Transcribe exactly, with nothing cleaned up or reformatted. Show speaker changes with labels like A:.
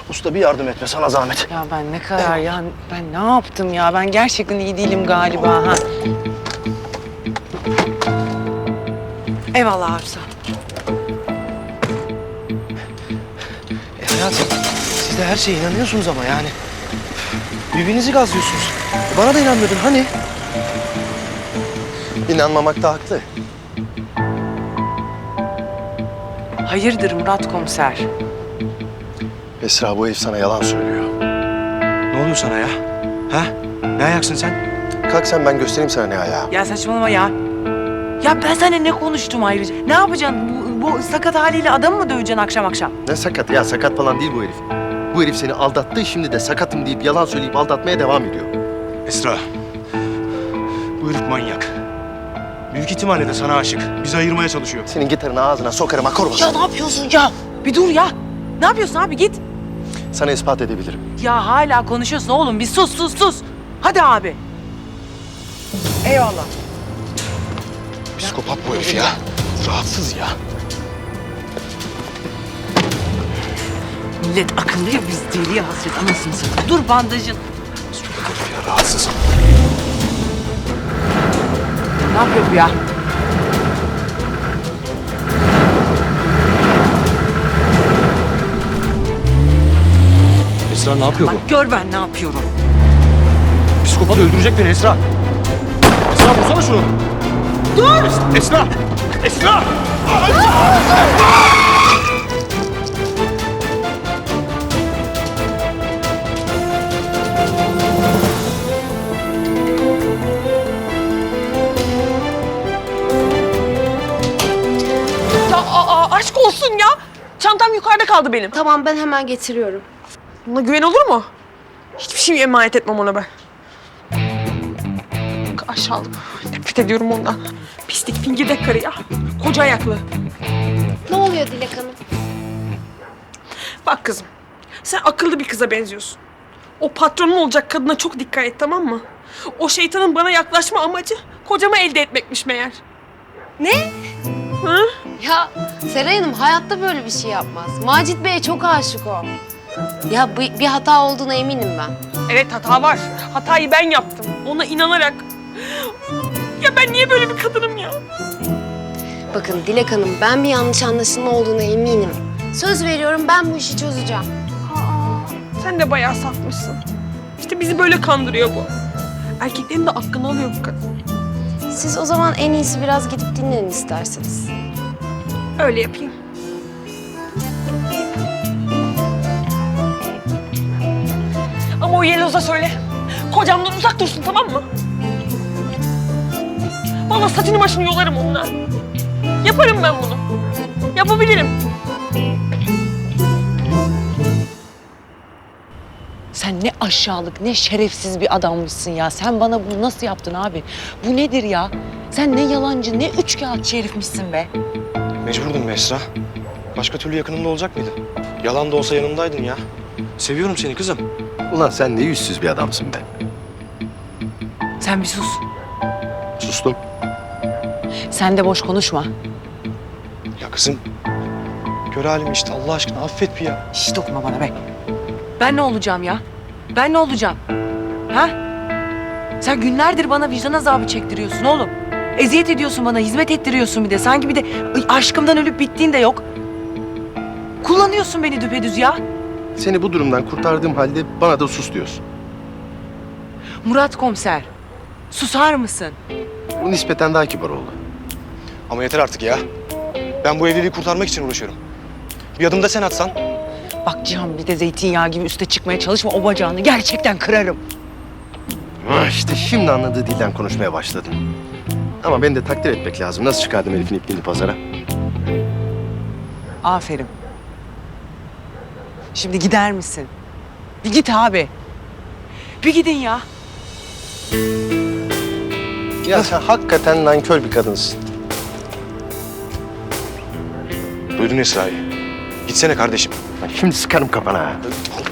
A: Usta bir yardım etme sana zahmet.
B: Ya ben ne kadar ya ben ne yaptım ya? Ben gerçekten iyi değilim galiba ha. Eyvallah Arsa.
A: E hayatım siz de her şeye inanıyorsunuz ama yani. Birbirinizi gazlıyorsunuz. Bana da inanmıyordun hani? İnanmamakta haklı.
B: Hayırdır Murat komiser?
A: Esra bu herif sana yalan söylüyor.
C: Ne oluyor sana ya? Ha? Ne ayaksın sen?
A: Kalk sen ben göstereyim sana ne ayağı.
B: Ya saçmalama ya. Ya ben seninle ne konuştum ayrıca? Ne yapacaksın? Bu, bu sakat haliyle adamı mı döveceksin akşam akşam?
A: Ne sakat ya, sakat falan değil bu herif. Bu herif seni aldattı, şimdi de sakatım deyip yalan söyleyip aldatmaya devam ediyor.
C: Esra. Bu herif manyak. Büyük ihtimalle de sana aşık. Bizi ayırmaya çalışıyor.
A: Senin gitarını ağzına sokarım akor
B: Ya
A: basarım.
B: ne yapıyorsun ya? Bir dur ya. Ne yapıyorsun abi git.
A: Sana ispat edebilirim.
B: Ya hala konuşuyorsun oğlum. Bir sus sus sus. Hadi abi. Eyvallah.
A: Psikopat bu herif ya. Rahatsız ya.
B: Millet akıllı ya biz deliye hasret anasını satayım. Dur bandajın.
A: Psikopat herif ya, rahatsız.
B: Ne yapıyor bu ya?
C: Esra ne yapıyor
B: Bak gör ben ne yapıyorum.
C: bu? Psikopat öldürecek beni Esra. Esra vursana şunu. Dur! Es- Esra! Esra!
D: Ya aa, aşk olsun ya. Çantam yukarıda kaldı benim.
E: Tamam ben hemen getiriyorum.
D: Buna güven olur mu? Hiçbir şey emanet etmem ona ben. Aşağılık. Nefret ediyorum ondan. Pislik fingirdek karı ya. Koca ayaklı.
E: Ne oluyor Dilek Hanım?
D: Bak kızım. Sen akıllı bir kıza benziyorsun. O patronun olacak kadına çok dikkat et, tamam mı? O şeytanın bana yaklaşma amacı kocamı elde etmekmiş meğer.
E: Ne?
D: Hı?
E: Ya Seray Hanım hayatta böyle bir şey yapmaz. Macit Bey'e çok aşık o. Ya bir, bir hata olduğuna eminim ben.
D: Evet hata var. Hatayı ben yaptım. Ona inanarak. Ya ben niye böyle bir kadınım ya?
E: Bakın Dilek Hanım ben bir yanlış anlaşılma olduğuna eminim. Söz veriyorum ben bu işi çözeceğim.
D: Sen de bayağı safmışsın. İşte bizi böyle kandırıyor bu. Erkeklerin de aklını alıyor bu kadın.
E: Siz o zaman en iyisi biraz gidip dinlenin isterseniz.
D: Öyle yapayım. Ama o Yeloz'a söyle. Kocamdan uzak dursun, tamam mı? Vallahi saçını başını yolarım onunla. Yaparım ben bunu. Yapabilirim.
B: Sen ne aşağılık, ne şerefsiz bir adammışsın ya. Sen bana bunu nasıl yaptın abi? Bu nedir ya? Sen ne yalancı, ne üçkağıtçı herifmişsin be.
C: Mecburdum be Esra. Başka türlü yakınımda olacak mıydı? Yalan da olsa yanımdaydın ya. Seviyorum seni kızım.
A: Ulan sen ne yüzsüz bir adamsın be.
B: Sen bir sus.
A: Sustum.
B: Sen de boş konuşma.
C: Ya kızım. Gör halimi işte Allah aşkına affet bir ya.
B: Hiç dokunma bana be. Ben ne olacağım ya? Ben ne olacağım? Ha? Sen günlerdir bana vicdan azabı çektiriyorsun oğlum. Eziyet ediyorsun bana, hizmet ettiriyorsun bir de. Sanki bir de aşkımdan ölüp bittiğin de yok. Kullanıyorsun beni düpedüz ya.
A: Seni bu durumdan kurtardığım halde bana da sus diyorsun.
B: Murat komiser, susar mısın?
A: Bu nispeten daha kibar oldu.
C: Ama yeter artık ya. Ben bu evliliği kurtarmak için uğraşıyorum. Bir adım da sen atsan.
B: Bak Cihan bir de zeytinyağı gibi üste çıkmaya çalışma. O bacağını gerçekten kırarım.
A: Ha işte şimdi anladığı dilden konuşmaya başladın. Ama beni de takdir etmek lazım. Nasıl çıkardım herifin ipliğini pazara?
B: Aferin. Şimdi gider misin? Bir git abi. Bir gidin ya.
A: Ya sen hakikaten nankör bir kadınsın.
C: Duydun Esra'yı. Gitsene kardeşim.
A: Bak şimdi sıkarım kafana ha.